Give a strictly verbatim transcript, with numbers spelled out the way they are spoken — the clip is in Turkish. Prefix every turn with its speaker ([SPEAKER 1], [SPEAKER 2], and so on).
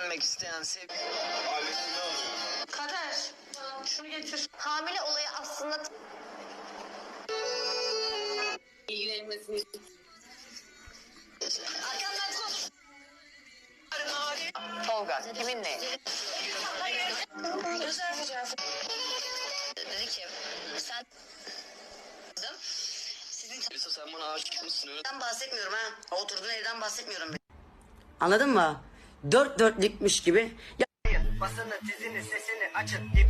[SPEAKER 1] dönmek isteyen sevgili.
[SPEAKER 2] Kader, şunu getir.
[SPEAKER 3] Hamile olayı aslında...
[SPEAKER 2] İlgilenmesini.
[SPEAKER 3] Arkamdan koş.
[SPEAKER 1] Tolga kiminle?
[SPEAKER 2] Özel fotoğrafı.
[SPEAKER 3] Dedi ki sen... Sizin
[SPEAKER 1] Elisa sen bana aşık mısın öyle?
[SPEAKER 3] evden bahsetmiyorum ha. Oturduğun evden bahsetmiyorum.
[SPEAKER 4] Anladın mı? Dört dörtlükmüş gibi.
[SPEAKER 5] Basını, dizini, sesini açın.